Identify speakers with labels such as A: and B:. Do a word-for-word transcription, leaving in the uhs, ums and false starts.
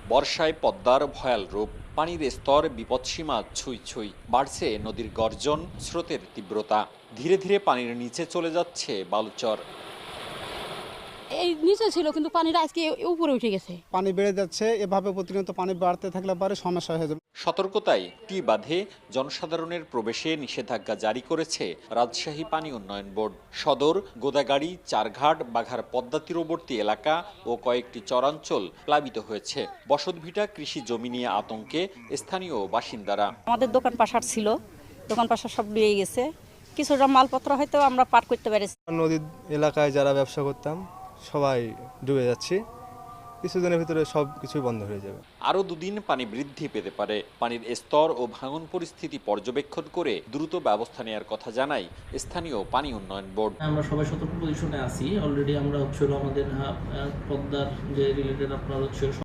A: বর্ষায় পদ্মার ভয়াল রূপ, পানির স্তর বিপদসীমা ছুঁই ছুঁই, বাড়ছে নদীর গর্জন, স্রোতের তীব্রতা। ধীরে ধীরে পানির নিচে চলে যাচ্ছে বালুচর।
B: এই নিচে ছিল কিন্তু পানিটা আজকে উপরে উঠে গেছে।
C: পানি বেড়ে যাচ্ছে, এভাবে প্রতিনিয়ত পানি বাড়তে থাকলে পরে সমস্যা হয়ে যাবে।
A: সতর্কতায় টি বাঁধে জনসাধারণের প্রবেশে নিষেধাজ্ঞা জারি করেছে রাজশাহী পানি উন্নয়ন বোর্ড। সদর, গোদাগাড়ি, চারঘাট, বাঘার পদ্মা তীরবর্তী এলাকা ও কয়েকটি চরাঞ্চল প্লাবিত হয়েছে। বসতভিটা, কৃষি জমি নিয়ে আতঙ্কে স্থানীয় বাসিন্দারা।
D: আমাদের দোকান পাশার ছিল, দোকান পাশার সব নিয়ে গেছে, কিছুটা মালপত্র হয়তো আমরা পার করতে পেরেছি।
E: নদীর এলাকায় যারা ব্যবসা করতাম সবাই ডুবে যাচ্ছি, কিছুদিনের ভিতরে সব কিছুই বন্ধ হয়ে যাবে।
A: আরও দুদিন পানি বৃদ্ধি পেতে পারে। পানির স্তর ও ভাঙন পরিস্থিতি পর্যবেক্ষণ করে দ্রুত ব্যবস্থা নেওয়ার কথা জানায় স্থানীয় পানি উন্নয়ন বোর্ড।
F: আমরা সবাই সতর্ক পজিশনে আছি। অলরেডি আমরা হচ্ছে আমাদের পদ্মার যে রিলেটেড আপনার হচ্ছে